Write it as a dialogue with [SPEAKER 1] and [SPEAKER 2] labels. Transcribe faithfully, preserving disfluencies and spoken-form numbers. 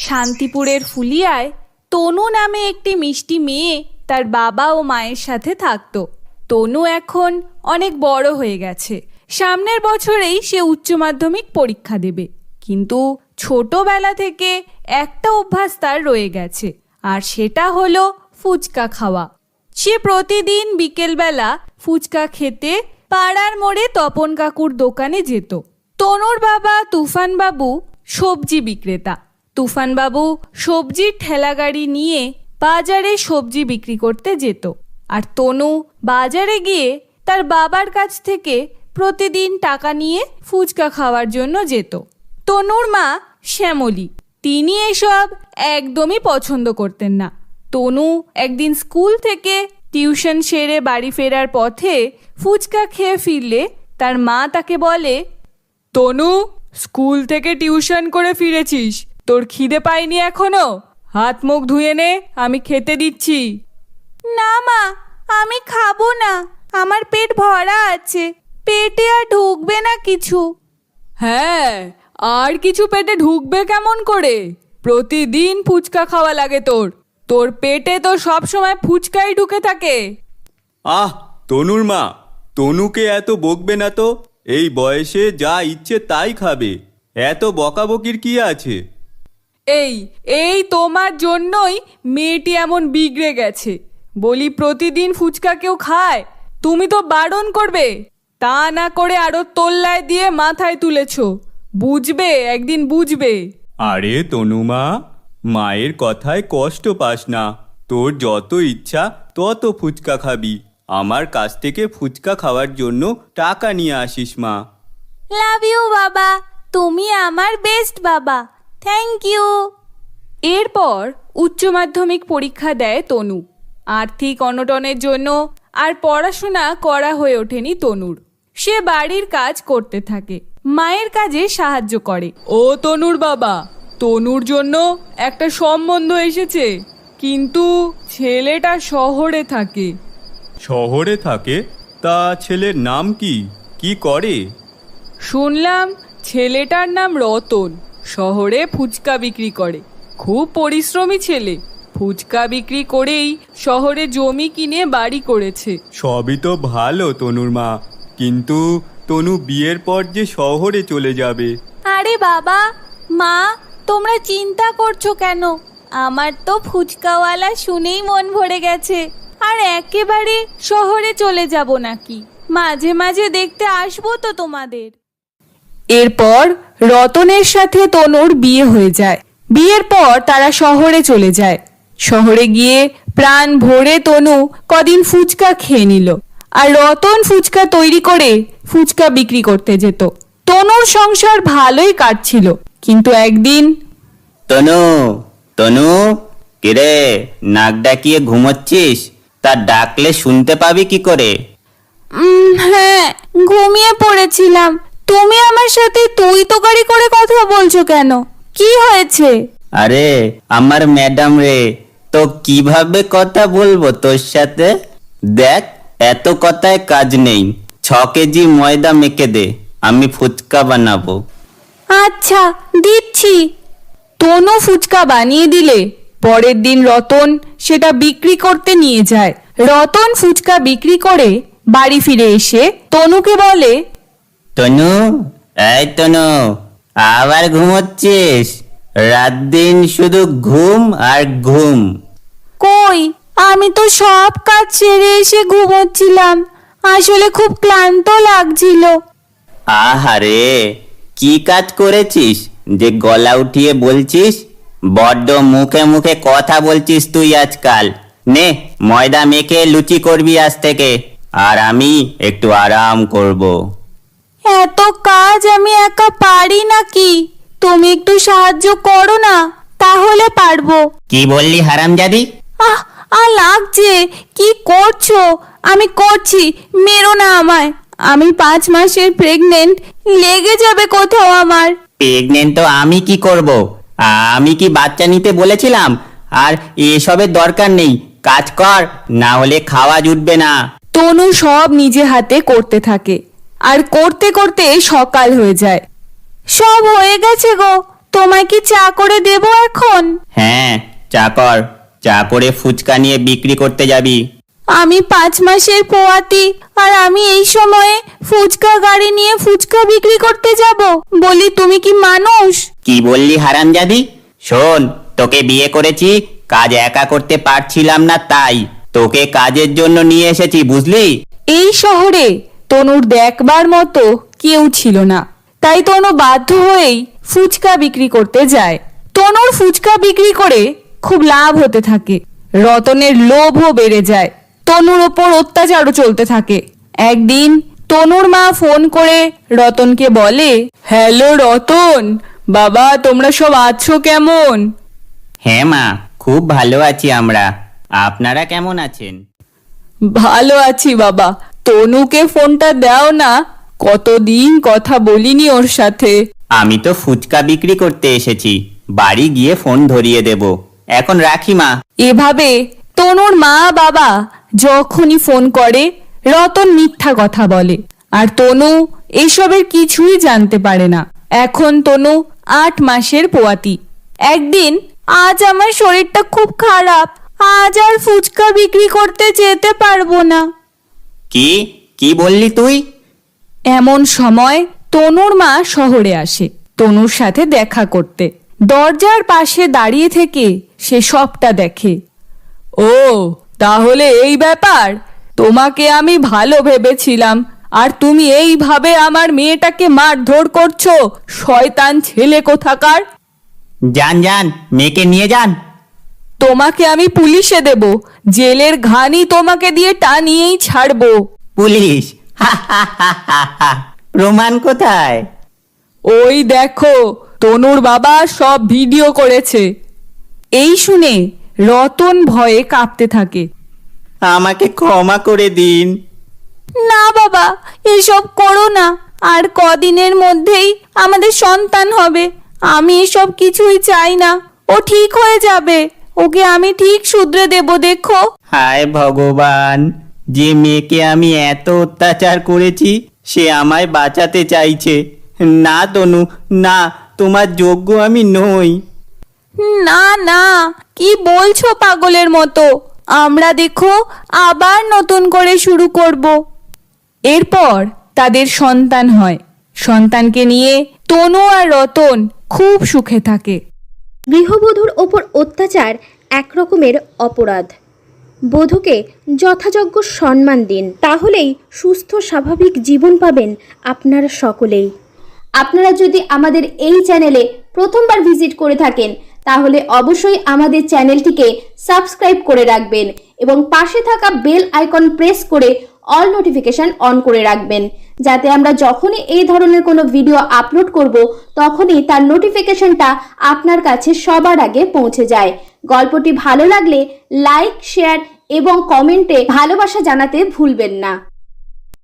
[SPEAKER 1] শান্তিপুরের ফুলিয়ায় তনু নামে একটি মিষ্টি মেয়ে তার বাবা ও মায়ের সাথে থাকতো। তনু এখন অনেক বড় হয়ে গেছে। সামনের বছরেই সে উচ্চ মাধ্যমিক পরীক্ষা দেবে। কিন্তু ছোটবেলা থেকে একটা অভ্যাস তার রয়ে গেছে, আর সেটা হলো ফুচকা খাওয়া। সে প্রতিদিন বিকেলবেলা ফুচকা খেতে পাড়ার মোড়ে তপন কাকুর দোকানে যেত। তনুর বাবা তুফানবাবু সবজি বিক্রেতা। তুফানবাবু সবজির ঠেলাগাড়ি নিয়ে বাজারে সবজি বিক্রি করতে যেত, আর তনু বাজারে গিয়ে তার বাবার কাছ থেকে প্রতিদিন টাকা নিয়ে ফুচকা খাওয়ার জন্য যেত। তনুর মা শ্যামলী, তিনি এসব একদমই পছন্দ করতেন না। তনু একদিন স্কুল থেকে টিউশন সেরে বাড়ি ফেরার পথে ফুচকা খেয়ে ফিরলে তার মা তাকে বলে, তনু, স্কুল থেকে টিউশন করে ফিরেছিস, তোর খিদে পায়নি এখনো? হাত মুখ ধুয়ে নে, আমি খেতে দিচ্ছি। না মা, আমি খাবো না, আমার পেট ভরা আছে, পেটে আর ঢুকবে না কিছু। হ্যাঁ, আর কিছু পেটে ঢুকবে কেমন করে? প্রতিদিন ফুচকা খাওয়া লাগে তোর, তোর পেটে তো সব সময় ফুচকাই ঢুকে থাকে।
[SPEAKER 2] আহ তনুর মা, তনুকে এত বকবে না তো, এই বয়সে যা ইচ্ছে তাই খাবে, এত বকাবকির কি আছে?
[SPEAKER 1] এই এই তোমার জন্যই মেয়েটি এমন বিগড়ে গেছে। বলি প্রতিদিন ফুচকা কেউ খায়? তুমি তো বারণ করবে, তা না করে আরো তোল্লায় দিয়ে মাথায় তুলেছ। বুঝবে, একদিন বুঝবে।
[SPEAKER 2] আরে তনুমা, মায়ের কথায় কষ্ট পাস না, তোর যত ইচ্ছা তত ফুচকা খাবি। আমার কাছ থেকে ফুচকা খাওয়ার জন্য টাকা নিয়ে আসিস মা।
[SPEAKER 1] লাভ ইউ বাবা, তুমি আমার বেস্ট বাবা, থ্যাংক ইউ। এরপর উচ্চ মাধ্যমিক পরীক্ষা দেয় তনু। আর্থিক অনটনের জন্য আর পড়াশোনা করা হয়ে ওঠেনি তনুর। সে বাড়ির কাজ করতে থাকে, মায়ের কাজে সাহায্য করে। ও তনুর বাবা, তনুর জন্য একটা সম্বন্ধ এসেছে, কিন্তু ছেলেটা শহরে থাকে।
[SPEAKER 2] শহরে থাকে? তা ছেলের নাম কি? কি করে?
[SPEAKER 1] শুনলাম ছেলেটার নাম রতন, শহরে ফুচকা বিক্রি করে। খুব পরিশ্রমী ছেলে, ফুচকা বিক্রি করেই শহরে জমি কিনে বাড়ি করেছে।
[SPEAKER 2] সবই তো ভালো তনুর মা, কিন্তু তনু বিয়ের পর যে শহরে চলে যাবে।
[SPEAKER 1] আরে বাবা, মা, তোমরা চিন্তা করছো কেন? আমার তো ফুচকাওয়ালা শুনেই মন ভরে গেছে। আর একেবারে শহরে চলে যাব নাকি? মাঝে মাঝে দেখতে আসবো তো তোমাদের। এরপর রতনের সাথে তনুর বিয়ে হয়ে যায়। বিয়ের পর তারা শহরে চলে যায়। শহরে গিয়ে প্রাণ ভরে তনু কদিন ফুচকা খেয়ে নিল, আর রতন ফুচকা তৈরি করে ফুচকা বিক্রি করতে যেত। তনুর সংসার ভালোই কাটছিল, কিন্তু একদিন,
[SPEAKER 3] তনু, তনু, কিরে, নাক ডাকিয়ে ঘুমোচ্ছিস? তা ডাকলে শুনতে পাবি কি করে?
[SPEAKER 1] হ্যাঁ, ঘুমিয়ে পড়েছিলাম। তুমি আমার সাথে তুই তোকারি করে কথা বলছো কেন? কি হয়েছে?
[SPEAKER 3] আরে আমার ম্যাডাম রে, তো কিভাবে কথা বলবো তোর সাথে? দেখ, এত কথায় কাজ নেই, ছ কেজি ময়দা মেখে দে, আমি ফুচকা বানাবো।
[SPEAKER 1] আচ্ছা, দিচ্ছি। তনু ফুচকা বানিয়ে দিলে পরের দিন রতন সেটা বিক্রি করতে নিয়ে যায়। রতন ফুচকা বিক্রি করে বাড়ি ফিরে এসে তনুকে বলে,
[SPEAKER 3] তনু, এই তনু, আবার ঘুমোচ্ছিস? রাত দিন শুধু ঘুম আর ঘুম।
[SPEAKER 1] কই, আমি তো সব কাজ ছেড়ে এসে ঘুমোচ্ছিলাম, আসলে খুব ক্লান্ত লাগছিল।
[SPEAKER 3] আহারে, কি কাজ করেছিস যে গলা উঠিয়ে বলছিস? বড্ড মুখে মুখে কথা বলছিস তুই আজকাল। নে, ময়দা মেখে লুচি করবি আজ থেকে, আর আমি একটু আরাম করব।
[SPEAKER 1] এত কাজ আমি একা পারি নাকি? তুমি একটু সাহায্য করো না, তাহলে পারবো।
[SPEAKER 3] কি বললি হারামজাদি?
[SPEAKER 1] আহ আহ লাগছে। কি করছো? আমি করছি, মেরো না আমায়। আমি পাঁচ মাসের প্রেগনেন্ট, লেগে যাবে কোথাও আমার।
[SPEAKER 3] প্রেগনেন্ট তো আমি কি করব? আমি কি বাচ্চা নিতে বলেছিলাম? আর এসবের দরকার নেই, কাজ কর, না হলে খাওয়া জুটবে না।
[SPEAKER 1] তনু সব নিজে হাতে করতে থাকে, আর করতে করতে সকাল হয়ে যায়। সব হয়ে গেছে গো, তোমায় কি চা করে দেবো এখন?
[SPEAKER 3] হ্যাঁ, চা কর। চা করে ফুচকা নিয়ে বিক্রি করতে যাবি?
[SPEAKER 1] আমি পাঁচ মাসের পোয়াতি, আর আমি এই সময়ে ফুচকা গাড়ি নিয়ে ফুচকা বিক্রি করতে যাব? বলি তুমি কি মানুষ?
[SPEAKER 3] কি বললি হারামজাদি? শোন, তোকে বিয়ে করেছি, কাজ একা করতে পারছিলাম না, তাই তোকে কাজের জন্য নিয়ে এসেছি, বুঝলি?
[SPEAKER 1] এই শহরে তনুর দেখবার মতো কেউ ছিল না, তাই তনু বাধ্য হয়েই ফুচকা বিক্রি করতে যায়। তনুর ফুচকা বিক্রি করে খুব লাভ হতে থাকে। রতনের লোভও বেড়ে যায়। তনুর ওপর অত্যাচারও চলতে থাকে। একদিন তনুর মা ফোন করে রতনকে বলে, হ্যালো রতন, বাবা তোমরা সব আছো কেমন?
[SPEAKER 3] হ্যাঁ মা, খুব ভালো আছি আমরা। আপনারা কেমন আছেন?
[SPEAKER 1] ভালো আছি বাবা। তনুকে ফোনটা দাও না, কতদিন কথা বলিনি ওর সাথে।
[SPEAKER 3] আমি তো ফুচকা বিক্রি করতে এসেছি, বাড়ি গিয়ে ফোন ধরিয়ে দেব। এখন রাখি মা।
[SPEAKER 1] এভাবে তনুর মা বাবা যখনই ফোন করে রতন মিথ্যা কথা বলে, আর তনু এসবের কিছুই জানতে পারে না। এখন তনু আট মাসের পোয়াতি। একদিন, আজ আমার শরীরটা খুব খারাপ, আজ আর ফুচকা বিক্রি করতে যেতে পারবো না।
[SPEAKER 3] কি কি বললি তুই?
[SPEAKER 1] এমন সময় তনুর মা শহরে আসে তনুর সাথে দেখা করতে। দরজার পাশে দাঁড়িয়ে থেকে সে সবটা দেখে। ও, তাহলে এই ব্যাপার। তোমাকে আমি ভালো ভেবেছিলাম, আর তুমি এইভাবে আমার মেয়েটাকে মারধর করছো, শয়তান ছেলে কোথাকার।
[SPEAKER 3] যান যান, মেয়েকে নিয়ে যান।
[SPEAKER 1] তোমাকে আমি পুলিশে দেব, জেলের ঘানি তোমাকে দিয়ে টানিয়েই ছাড়বো।
[SPEAKER 3] পুলিশ? প্রমাণ কোথায়?
[SPEAKER 1] ওই দেখো, তনুর বাবা সব ভিডিও করেছে। এই শুনে রতন ভয়ে কাঁপতে থাকে।
[SPEAKER 3] আমাকে ক্ষমা করে দিন।
[SPEAKER 1] না বাবা, এসব করো না, আর কদিনের মধ্যেই আমাদের সন্তান হবে। আমি এসব কিছুই চাই না, ও ঠিক হয়ে যাবে, ওকে আমি ঠিক শুধরে দেব, দেখো।
[SPEAKER 3] হায় ভগবান, যে মেয়েকে আমি এত অত্যাচার করেছি সে আমায় বাঁচাতে চাইছে। না তনু, না, তোমার যোগ্য আমি নই।
[SPEAKER 1] না না, কি বলছো পাগলের মতো? আমরা দেখো আবার নতুন করে শুরু করব। এরপর তাদের সন্তান হয়। সন্তানকে নিয়ে তনু আর রতন খুব সুখে থাকে।
[SPEAKER 4] গৃহবধূর ওপর অত্যাচার এক রকমের অপরাধ। বধূকে যথাযোগ্য সম্মান দিন, তাহলেই সুস্থ স্বাভাবিক জীবন পাবেন আপনারা সকলেই। আপনারা যদি আমাদের এই চ্যানেলে প্রথমবার ভিজিট করে থাকেন, তাহলে অবশ্যই আমাদের চ্যানেলটিকে সাবস্ক্রাইব করে রাখবেন এবং পাশে থাকা বেল আইকন প্রেস করে অল নোটিফিকেশন অন করে রাখবেন, যাতে আমরা যখনই এই ধরনের কোনো ভিডিও আপলোড করব তখনই তার নোটিফিকেশনটা আপনার কাছে সবার আগে পৌঁছে যায়। গল্পটি ভালো লাগলে লাইক, শেয়ার এবং কমেন্টে ভালোবাসা জানাতে ভুলবেন না।